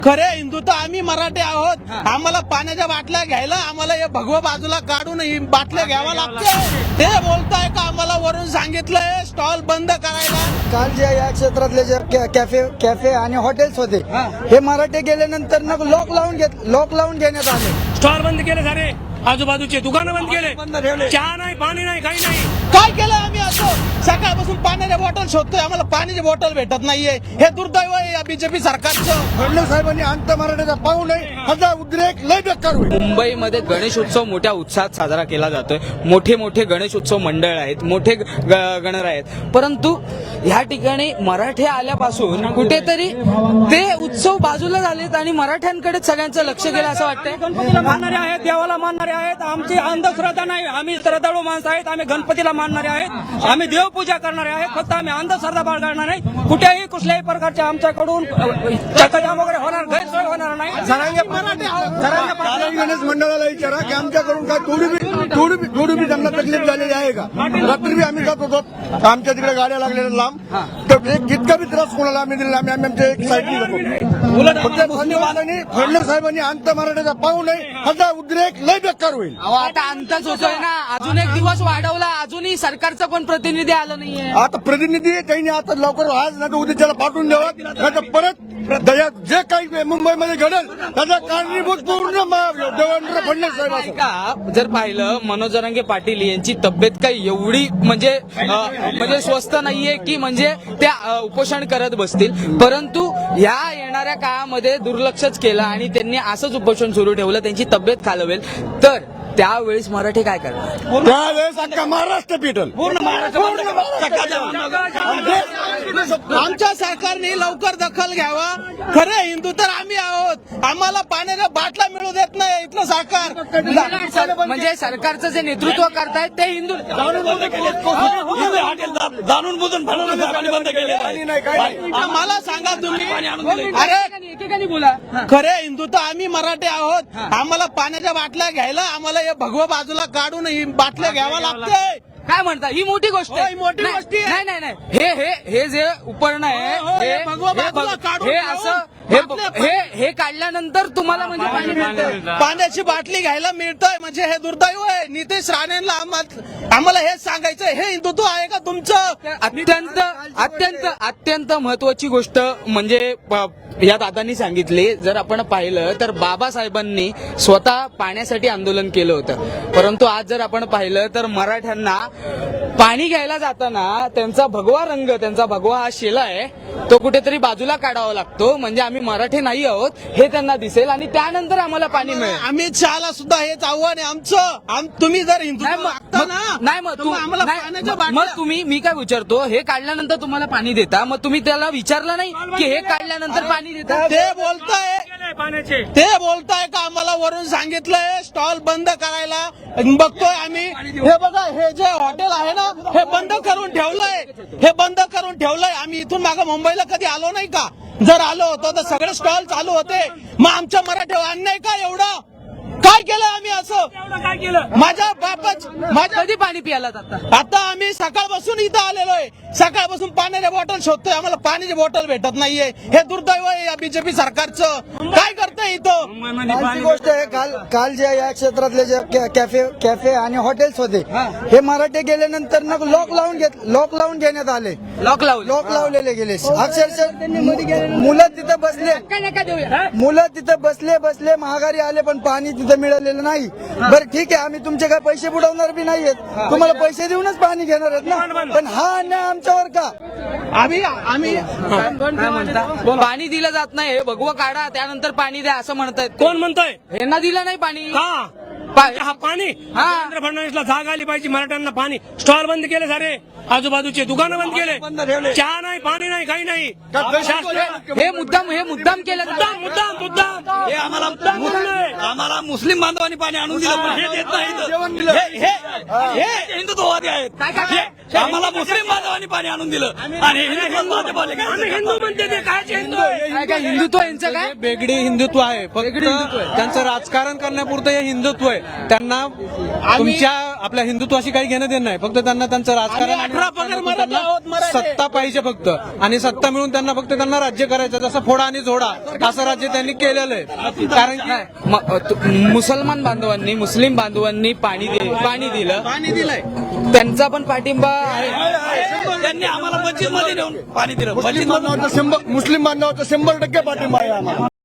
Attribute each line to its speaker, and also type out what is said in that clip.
Speaker 1: खरे हिंदू तर आम्ही मराठी आहोत. आम्हाला पाण्याच्या बाटल्या घ्यायला आम्हाला हे भगवा बाजूला काढून ही बाटल्या घ्यावा लागते. ते बोलताय का आम्हाला वरून सांगितलंय स्टॉल बंद करायला.
Speaker 2: काल जे या क्षेत्रातले जे कॅफे आणि हॉटेल्स होते हे मराठे गेल्यानंतर लॉक लावून घेण्यात आले.
Speaker 3: स्टॉल बंद केले सारे, आजूबाजूचे दुकानं बंद केले, चहा नाही, पाणी नाही, काही नाही.
Speaker 1: काय केलं आम्ही असं? सकाळपासून पाण्याच्या बॉटल शोधतोय, आम्हाला पाण्याची बॉटल भेटत नाहीये. हे दुर्दैव आहे या बीजेपी सरकारचं.
Speaker 2: फडणवीस साहेबांनी अंत मराठ्याचा पाहू नये, हा उद्रेक लय बेकार होईल.
Speaker 4: मुंबईमध्ये गणेश उत्सव मोठ्या उत्साहात साजरा केला जातोय. मोठे मोठे गणेश उत्सव मंडळ आहेत, मोठे गणर आहेत, परंतु ह्या ठिकाणी मराठे आल्यापासून कुठेतरी ते उत्सव बाजूला झालेत आणि मराठ्यांकडे सगळ्यांचं लक्ष गेलं असं वाटतंय.
Speaker 3: गणपतीला मानणारे आहेत, देवाला मानणारे आहेत. आमची अंधश्रद्धा नाही, आम्ही श्रद्धाळू माणसं आहेत. आम्ही गणपतीला मानणारे आहेत, आम्ही देवपूजा करणारे आहेत. फक्त आम्ही अंधश्रद्धा बाळगणार नाही. कुठेही कुठल्याही प्रकारच्या आमच्याकडून चक्काजाम वगैरे होणार, गैरसोय होणार नाही.
Speaker 2: गणेश मंडळाला विचारा की आमच्याकडून काय थोडी बी त्यांना तकलीफ झालेली आहे का? रात्री बी आम्ही जात होतो, आमच्या तिकडे गाड्या लागलेल्या लांब, तर एक जितका बी त्रास कोणाला आम्ही दिलेला आम्ही आमच्या एक साईडनी जातो. फडणवीस साहेबांनी अंत मराठ्याचा पाहू नये, हा उद्रेक लय बेकार होईल.
Speaker 4: आता अंतच होतोय ना, अजून एक दिवस वाढवला, अजूनही सरकारचा कोण प्रतिनिधी आलं नाहीये.
Speaker 2: आता प्रतिनिधी त्यांनी आता लवकर आज नाही तर उद्या त्याला पाठवून द्यावं, नाही तर परत जे काही मुंबईमध्ये घडेल त्याचा कारणीभूत पूर्ण देवेंद्र फडणवीस साहेब असेल.
Speaker 4: का जर पाहिलं मनोज जरांगे पाटील यांची तब्येत काही एवढी म्हणजे स्वस्थ नाहीये की म्हणजे त्या उपोषण करत बसतील, परंतु या येणाऱ्या काळामध्ये दुर्लक्षच केलं आणि त्यांनी असंच उपोषण सुरू ठेवलं, त्यांची तब्येत खालवेल तर त्यावेळेस मराठी काय करणार?
Speaker 2: त्यावेळेस अख्खा महाराष्ट्र पेटल.
Speaker 1: आमच्या सरकारने लवकर दखल घ्यावा. खरे हिंदू तर आम्ही आहोत, आम्हाला पाण्याच्या बाटल्या मिळू देत नाही इथलं सरकार.
Speaker 4: म्हणजे सरकारचं जे नेतृत्व करतायत ते हिंदू
Speaker 3: जाणून बुजून बंद केले.
Speaker 1: मला सांगा तुम्ही, अरे
Speaker 4: एकेकाने बोला.
Speaker 1: खरे हिंदू तर आम्ही मराठी आहोत, आम्हाला पाण्याच्या बाटल्या घ्यायला आम्हाला हे भगवा बाजूला काढून ही बाटल्या घ्यावा लागते.
Speaker 4: काय म्हणता? ही मोठी गोष्ट
Speaker 1: हो, ही मोठी
Speaker 4: नाही,
Speaker 1: गोष्ट आहे.
Speaker 4: नाही नाही नाही. हे जे उपकरण आहे
Speaker 1: हे भगवा बाजूला काढून
Speaker 4: हे असं हे काढल्यानंतर तुम्हाला म्हणजे पाणी मिळतं.
Speaker 1: पाण्याची बाटली घ्यायला मिळतंय म्हणजे हे दुर्दैव आहे. नितेश राणेंना आम्हाला हेच सांगायचं, हे हिंदुत्व आहे का तुमचं?
Speaker 4: अत्यंत अत्यंत अत्यंत महत्वाची गोष्ट म्हणजे या दादांनी सांगितली. जर आपण पाहिलं तर बाबासाहेबांनी स्वतः पाण्यासाठी आंदोलन केलं होतं, परंतु आज जर आपण पाहिलं तर मराठ्यांना पाणी घ्यायला जाताना त्यांचा भगवा रंग, त्यांचा भगवा हा शेला आहे तो कुठेतरी बाजूला काढावा लागतो, म्हणजे आम्ही मराठी नाही आहोत हे त्यांना दिसेल आणि त्यानंतर आम्हाला पाणी मिळेल.
Speaker 1: आम्ही चहाला सुद्धा हेच आव्हान आहे आमचं. तुम्ही जर हिंदू
Speaker 4: मग तुम्ही मी काय विचारतो, हे काढल्यानंतर तुम्हाला पाणी देता, मग तुम्ही त्याला विचारलं नाही की हे काढल्यानंतर पाणी देता?
Speaker 1: ते बोलताय का आम्हाला वरून सांगितलंय स्टॉल बंद करायला. बघतोय आम्ही, हे बघा हे जे हॉटेल आहे ना हे बंद करून ठेवलंय. आम्ही इथून मागं मुंबईला कधी आलो नाही का? जर आलो होतो तर सगळे स्टॉल चालू होते. मग आमच्या मराठीवर अन्याय का एवढा? काय केलं आम्ही असं?
Speaker 3: काय केलं?
Speaker 1: माझ्या बापच
Speaker 4: कधी पाणी प्यायला जाता?
Speaker 1: आता आम्ही सकाळपासून इथं आलेलो आहे, सकाळपासून पाण्याच्या बॉटल शोधतोय, आम्हाला पाण्याची बॉटल भेटत नाहीये. हे दुर्दैव आहे या बीजेपी सरकारचं. काय करतंय इथं?
Speaker 2: कालची गोष्ट आहे, काल जे या क्षेत्रातले जे कॅफे आणि हॉटेल्स होते हे मराठे गेल्यानंतर लॉक लावून घेण्यात आले.
Speaker 4: लॉक
Speaker 2: लावलेले गेले. अक्षरशः मुलं तिथं बसले महागारी आले, पण पाणी तिथं मिळालेलं नाही. बरं ठीक आहे, आम्ही तुमचे काय पैसे बुडवणार बी नाहीयेत, तुम्हाला पैसे देऊनच पाणी घेणार आहेत ना, पण हा अन्याय आमच्यावर का?
Speaker 1: आम्ही
Speaker 4: पाणी दिलं जात नाही, हे भगवा काढा त्यानंतर पाणी द्या असं म्हणतायत.
Speaker 3: कोण म्हणतोय?
Speaker 4: यांना दिलं नाही पाणी
Speaker 3: हा पाणी. देवेंद्र फडणवीसला जाग आली पाहिजे. मराठ्यांना पाणी, स्टॉल बंद केले सारे, आजूबाजूचे दुकानं बंद केले, चहा नाही, पाणी नाही, काही नाही.
Speaker 4: हे मुद्दाम केलं.
Speaker 3: हे आम्हाला मुस्लिम बांधवांनी पाणी आणून दिलं, हे देत नाही. हे हिंदुत्ववादी आहेत. आम्हाला मुस्लिम बांधवांनी पाणी आणून दिलं आणि हिंदू म्हणते ते काय हिंदू आहे?
Speaker 4: काय काय हिंदुत्व यांचं काय
Speaker 1: बेगडी हिंदुत्व आहे फक्त त्यांचं राजकारण करण्यापुरतं हे हिंदुत्व आहे. त्यांना तुमच्या आपल्या हिंदुत्वाशी काही घेणं देणं नाही. फक्त त्यांना त्यांचं राजकारण आणि त्यांना सत्ता पाहिजे फक्त. आणि सत्ता मिळून त्यांना फक्त त्यांना राज्य करायचं. जसं फोडा आणि झोडा असं राज्य त्यांनी केलेलं आहे. कारण की
Speaker 4: मुसलमान बांधवांनी मुस्लिम बांधवांनी पाणी दिलं
Speaker 1: पाणी दिलंय.
Speaker 4: त्यांचा पण पाठिंबा आहे.
Speaker 3: त्यांनी आम्हाला मस्जिद मध्ये नेऊन पाणी दिलं.
Speaker 2: मुस्लिम बांधवाचा 100% पाठिंबा आहे आम्हाला.